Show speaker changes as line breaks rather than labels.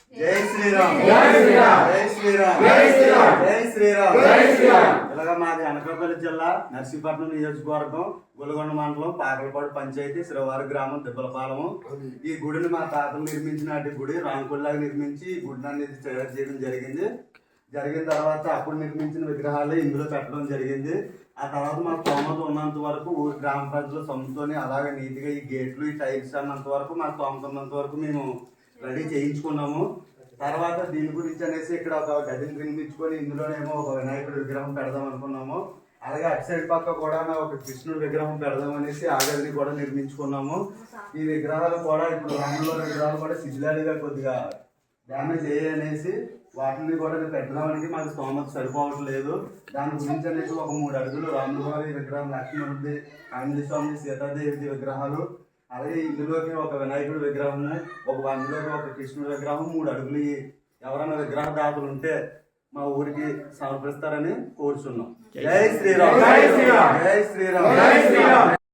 జై శ్రీరామ్
జై శ్రీరామ్
జై శ్రీరామ్
జై శ్రీరామ్
జై శ్రీరామ్
జై శ్రీరామ్.
ఇలాగా మాది అనకాపల్లి జిల్లా నర్సీపట్నం నియోజకవర్గం గొలగొండ మండలం పాకలపాడు పంచాయతీ శ్రీవారి గ్రామం దిబ్బలపాలెము. ఈ గుడిని మా తాతలు నిర్మించినటి గుడి రాంకుల్లాగా నిర్మించి ఈ గుడిని అనేది తయారు చేయడం జరిగిన తర్వాత అప్పుడు నిర్మించిన విగ్రహాలు ఇందులో పెట్టడం జరిగింది. ఆ తర్వాత మా స్తోమత ఉన్నంత వరకు ఊరి గ్రామ ప్రజలు సొంతతోని అలాగే నీట్గా ఈ గేట్లు ఈ టైల్స్ అన్నంత వరకు మా స్తోమత ఉన్నంత వరకు మేము రెడీ చేయించుకున్నాము. తర్వాత దీని గురించి అనేసి ఇక్కడ ఒక గదిని నిర్మించుకొని ఇందులోనేమో ఒక వినాయకుడి విగ్రహం పెడదాం అనుకున్నాము. అలాగే అటు సైడ్ పక్క కూడా ఒక కృష్ణుడి విగ్రహం పెడదాం అనేసి ఆ గదిని కూడా నిర్మించుకున్నాము. ఈ విగ్రహాలు కూడా ఇప్పుడు రాముల విగ్రహాలు కూడా శిథిలాలుగా కొద్దిగా డ్యామేజ్ అయ్యాయనేసి వాటిని కూడా పెట్టడానికి మాకు స్తోమత సరిపోవట్లేదు. దాని గురించి అనేసి ఒక 3 అడుగులు రాముల వారి విగ్రహం, లక్ష్మణుడి, ఆంజనేయ స్వామి, సీతాదేవి విగ్రహాలు, అలాగే ఇందులోకి ఒక వినాయకుడి విగ్రహము, అందులోకి ఒక కృష్ణుడి విగ్రహం 3 అడుగులు ఎవరైనా విగ్రహ దాతలు ఉంటే మా ఊరికి సమర్పిస్తారని కోరుచున్నాం. జై శ్రీరామ్
జై శ్రీరామ్
జై శ్రీరామ్
జై శ్రీరామ్.